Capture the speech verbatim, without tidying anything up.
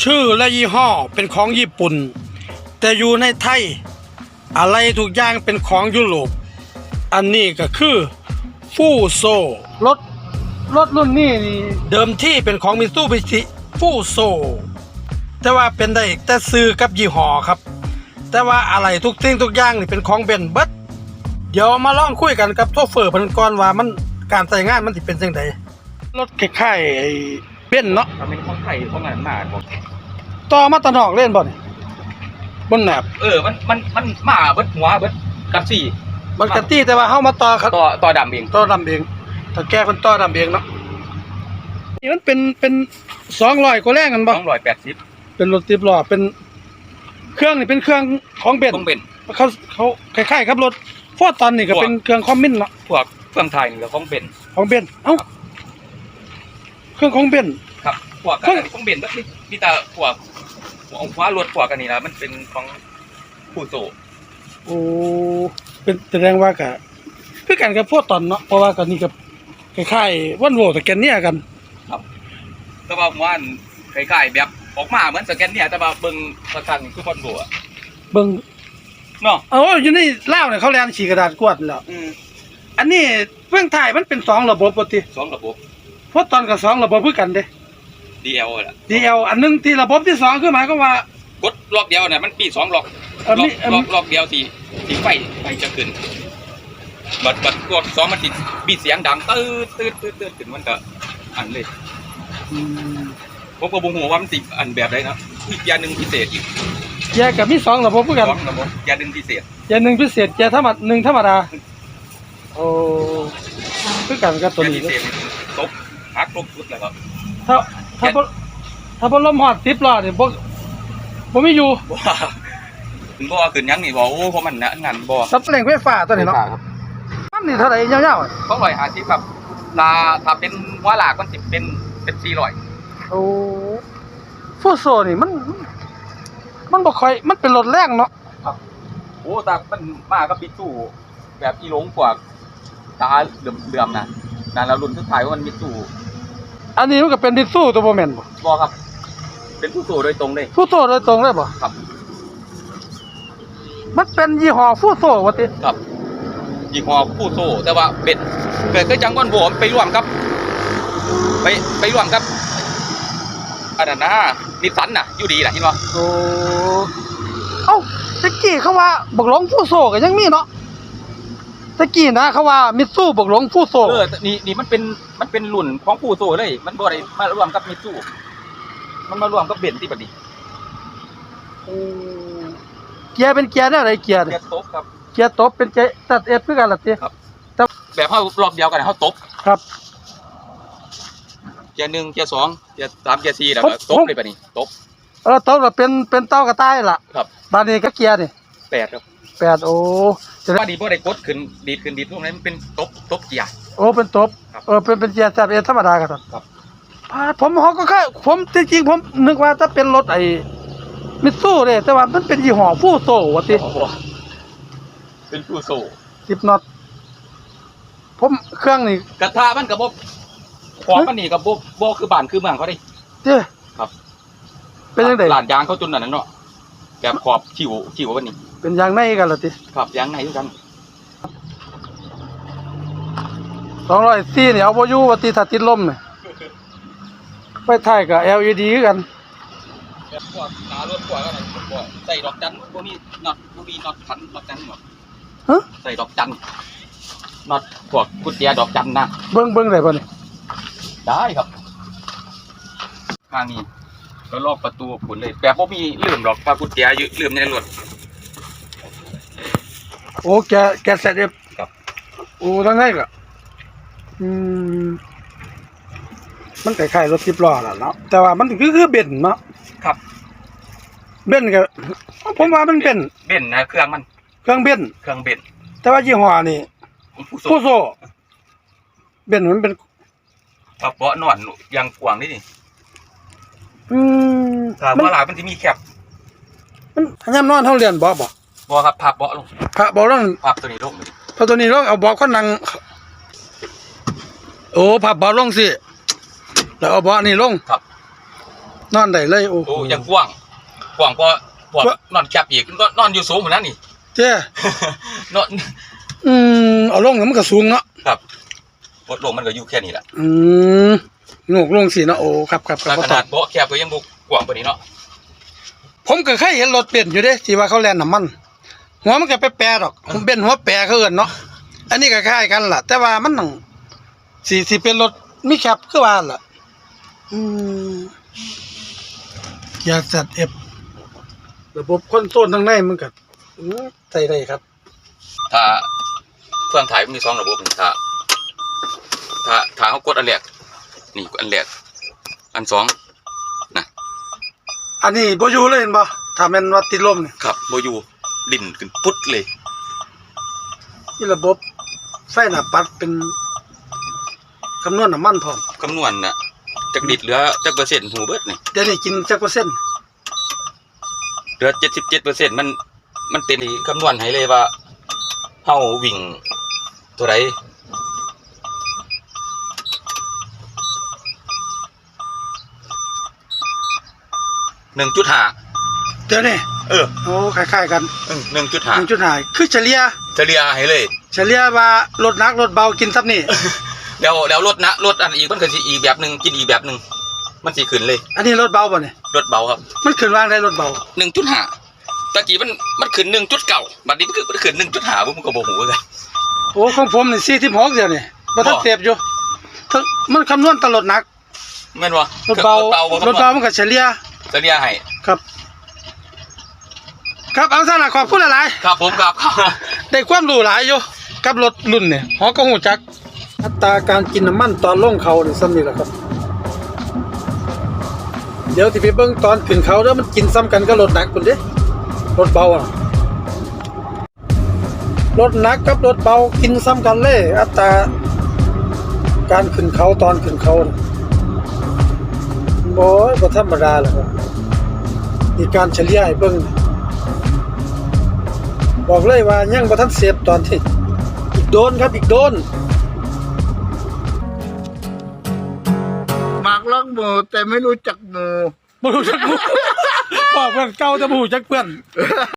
ชื่อและยี่ห้อเป็นของญี่ปุ่นแต่อยู่ในไทยอะไรทุกอย่างเป็นของยุโรปอันนี้ก็คือฟูโซรถรถรุ่นนี้นี่เดิมที่เป็นของมิตซูบิชิฟูโซแต่ว่าเป็นได้แต่ซื้อกับยี่ห้อครับแต่ว่าอะไรทุกสิ่งทุกอย่างนี่เป็นของเบนเบิดเดี๋ยวมาลองคุยกันกับโชเฟอร์เพิ่นก่อนว่ามันการใช้งานมันสิเป็นจังไดรถคล้ายๆไอ้เบนเนาะมันเป็นของไทยของงานมาบ่ต่อมาตะนอกเล่นบ่นี่บนแหนบเออมันมันมันมาเบิดหัวเบิดกับสี่มันกะตี้แต่ว่าเฮามาต่อครับต่อต่อดำเองต่อดำเองถ้าแก้เพิ่นต่อดำเองเนาะนี่มันเป็นเป็นสองร้อยกว่าแรงกันบ่สองร้อยแปดสิบเป็นรถสิบล้อเป็นเครื่องนี่เป็นเครื่องของเบนซ์ต้องเป็นเขาเขาคล้ายๆครับรถฟอร์ดตอนนี่ก็เป็นเครื่องคอมมินเนาะพวกเครื่องไทยนี่ก็ของเป็นของเบนซ์เอ้าเครื่องของเบนซ์ครับพวกเครื่องอันนี้ของเป็นเบิดนี่มีแต่พวกหัวหัวรถพวกอันนี้นะมันเป็นของผู้โซโอ้เป็นแสดงว่าก็คือกันกับฟอร์ดตอนเนาะเพราะว่าก็นี่ก็คล้ายๆวันโวแต่แกนเนี่ยกันแต่ว่าหัวอันคล้ายๆแบบออกมาเหมือนสแกนเนี่ยแต่ว่าเบิ่งประทันคือบอลโบอ่ะเบิ่งเนาะเอาอยู่ในลาวเนี่ยเขาแลนฉีกกระดาษกวาดแล้วอืมอันนี้เฟื่องไทยมันเป็นสองระบบปกติสองระบบเพราะตอนกับสองระบบคือกันเด้ดี แอล ล่ะดี แอล อันหนึงที่ระบบที่สองคือหมายความว่ากดล็อกเดียวน่ะมันปีสองล็อกเอ่อล็อมีกเอ่อล็อกล็อกเดียวสิสิไฟไฟจะขึ้นบัดบัดกดสองมันสิมีเสียงดังตืดตืดตืดตืดขึ้นมันก็อันเลยอืมผมก็บ่ฮู้ว่ามันสิอันแบบใดนะอีกอย่างหนึงพิเศษอีกแยกกับมีสองระบบคือกันสองระบบอย่างหนึงพิเศษอย่างหนึ่งพิเศษแยกธรรมดาหนึ่งธรรมดาโอ้คือกันกับตัวอย่างนี้พิเศษตกหักตกสุดแล้วก็ถ้าถ้าบ่ถ้าบ่ลมฮอดสิบล้อนี่บ่บ่มีอยู่บ่ว่าถึงบ่ว่าขึ้นหยังนี่บ่โอ้เพราะมันน่ะงานบ่สับแรงไฟฟ้าตัวนี้เนาะมันนี่เท่าไหร่ยาวๆอะสองร้อยห้าสิบครับลาถ้าเป็นหัวหลากมันสิเป็นเป็นสี่ร้อยโอ้ฟูโซนี่มัน มันบ่ค่อยมันเป็นรถแรงเนาะโอ้ตามันมากับปิจูแบบอีหลงกว่าตาเลื่อมๆนะนั่นแล้วรุ่นสุดท้ายว่ามันมีจูอันนี้มันก็เป็นดิสูตัวบ่แม่นบ่บ่ครับ เป็นผู้สูโดยตรงเลยฟูโซโดยตรงเลยบ่ครับมันเป็นยี่ห้อฟูโซว่าติครับยี่ห้อผู้โซแต่ว่าเบ็ดเกิดก็จังวันโผมไปร่วมครับ ไปไปร่วมครับอันนั้นนะนิสสันน่ะอยู่ดีแหละเห็นบ่โอ้เอ้าตะกี้เขาว่าบักหลงฟูโซก็ยังมีเนาะตะกี้นะเขาว่ามิตซูบักหลงฟูโซเออนี่นี่มันเป็นมันเป็นรุ่นของผู้โซเลย มันบ่ได้มาร่วมกับมิตซูมันมาร่วมกับเบนซ์ที่บัดนี้โอ้เกียร์เป็นเกียร์แนวไหนเกียร์เกีเนี่ยยร์ตบครับเกียร์ตบเป็นเกียร์ตัดเอสคือกันล่ะติแบบเฮารอบเดียวกันเฮาตบครับเกียร์หนึ่งเกียร์สองเกียร์สามเกียร์สี่แล้วก็ตบเลยบัดนี้ตบเออตบก็เป็นเป็นเต้ากระต่ายล่ะครับบาดนี้ก็เกียร์นี่แปดครับแปดโอ้จะได้ว่าดีบ่ได้กดขึ้นดีดขึ้นดีดพวกนั้นมันเป็นตบตบเกียร์โอ้เป็นตบครับเออเป็นเป็นเกียร์ตัดเอสธรรมดากันครับพาผมเขาก็แค่ผมจริงๆผมนึกว่าถ้าเป็นรถไอ้มิตซูเด้แต่ว่ามันเป็นยี่ห้อฟูโซว่าติเป็นผู้โซสิบน็อตผมเครื่องนี่กระทะมันก็บ่ขอบมันนี่ก็บ่บ่คือบ้านคือเมืองเขาดิเจ้ครับเป็นยังไงลาดยางเขาจนนั่นน่ะเนาะแบบขอบขิวขิววันนี้เป็นยางในกันล่ะติครับยางในคือกันสองร้อยสี่นี่เอาบ่อยู่ว่าติถ้าติดลมนี่ไฟท้ายก็ แอล อี ดี คือกันแบบพวกหนารถพวกอะไรพวกใส่ดอกจันพวกนี้น็อตพวกนี้น็อตขันดอกจันหมดฮะใส่ดอกจันน็อตพวกกุญแจดอกจันนะเบิ่งเบิ่งได้บ่นี่ได้ครับข้างนี้ก็ลอกประตูผุนเลยแบบบ่มีลืมหรอกพากุญแจอยู่ลืมในรถโอ้แกแกเสร็จเรียบครับโอ้ทั้งไงก็อืมมันคล้ายๆรถสิบล้อล่ะเนาะแต่ว่ามันคือคือเบนซ์เนาะครับเบนซ์ก็ผมว่ามันเป็นเบนซ์นะเครื่องมันเครื่องเบนซ์เครื่องเบนซ์แต่ว่ายี่ห้อนี่ของผู้โซฟูโซเบนซ์มันเป็นปะเปาะนอนยางกวางนี่นี่อืมถ้ามันว่าหลายมันจะมีแคบมันยามนอนเฮาเรียนบ่บ่บ่ครับพับเบาะลงพระบ่ลงพับตัวนี้ลงพอตัวนี้ลงเอาเบาะคนนั่งโอ้พับเบาะลงสิแล้วเอาเบาะนี่ลงครับนอนได้เลยโอ้โหโอ้ยังกว้างกว้างก็พวกนอนแคบอีกก็นอนอยู่สูงเหมือนนั้นนี่เจ้นอนอืมเอาลงแล้วมันก็สูงเนาะครับรถลงมันก็อยู่แค่นี้แหละอืมโงกลงสิเนาะโอ้ครับครับคแล้รัวบขนาดเบาะแคบก็ยังบุกกว้างกว่านี้เนาะผมก็เคยเห็นรถเบนซ์อยู่เด้ที่ว่าเขาแล่นน้ำมัน หัวมันก็ไปแปรดอกผมเบนซ์หัวแปรเขาเอิ้นเนาะอันนี้ก็คล้ายกันล่ะ แต่ว่ามันต้องสิสิเป็นรถมีแคปคือว่าล่ะอืมเกียร์ แซด เอฟ ระบบคอนโทรลทางในมันก็อือใส่ได้ครับถ้าเครื่องถ่ายมันมีสองระบบนี่ถ้าถ้าถ้าเขากดอันแรกนี่กดอันแรกอันสองนะอันนี้บ่อยู่เลยเห็นบ่ถ้าแม่นว่าติดลมนี่ครับโบอยูดิ่นขึ้นปุ๊ดเลยนี่ระบบไฟหน้าปัดเป็นคำนวณน้ำมันพร้อมคำนวณน่ะจากดิดเหลือจากเปอร์เซ็นต์หูเบิดนี่เดี๋ยวนี้กินจักเปอร์เซ็นต์เหลือเจ็ดสิบเจ็ดเปอร์เซ็นต์มันมันเป็นที่คำนวณให้เลยว่าเฮาวิ่งเท่าไรหนึ่งจุดห้าเดี๋ยวนี้เออโอ้คล้ายๆกันหนึ่งจุดห้าหนึ่งจุดห้าคือเฉลี่ยเฉลี่ยให้เลยเฉลี่ยว่ารถหนักรถเบากินซับนี่แล้วแล้วรถนะรถอันอีกมันก็สิอีกแบบหนึ่งกินอีกแบบหนึ่งมันสิขึ้นเลยอันนี้รถเบาป่ะเนี่ยรถเบาครับมันขึ้นวางได้รถเบาหนึ่งจุดห้าตะกี้มันมันขึ้นหนึ่งจุดเก้าบัดนี้มันขึ้นมันขึ้นหนึ่งจุดห้าผมก็บ่ฮู้เลยโอ้ของผมนี่สี่สิบหกเดี๋ยวนี่บ่ทันบ่เสพอยู่ทั้งมันคำนวณตลอดหนักแม่นบ่รถเบารถเบารถเบามันก็เฉลี่ยเฉลี่ยให้ครับ ครับเอาซะล่ะขอบคุณหลายครับผมครับๆได้ความรู้หลายอยู่กับรถรุ่นเนี่ยฮอก็ฮู้จัก อัตราการกินน้ำมันตอนลงเขานี่ซ้ำนี่แหละครับ เดี๋ยวสิไปเบิ่งตอนขึ้นเขาเด้อมันกินซ้ำกันกับรถหนักพุ่นเด้รถเบาอ่ะรถหนักกับรถเบากินซ้ำกันเลย อัตราการขึ้นเขาตอนขึ้นเขาน่ะบ่บ่ธรรมดาแหละครับมีการเฉลี่ยให้เบิ่งบอกเลยว่ายังบ่ทันเสพตอนที่อีกโดนครับอีกโดนหมากรักหมูแต่ไม่รู้จักหมูบ่รู้จักหมู่บอกเพื่อนเก่าแต่บ่รู้จักเพื่อน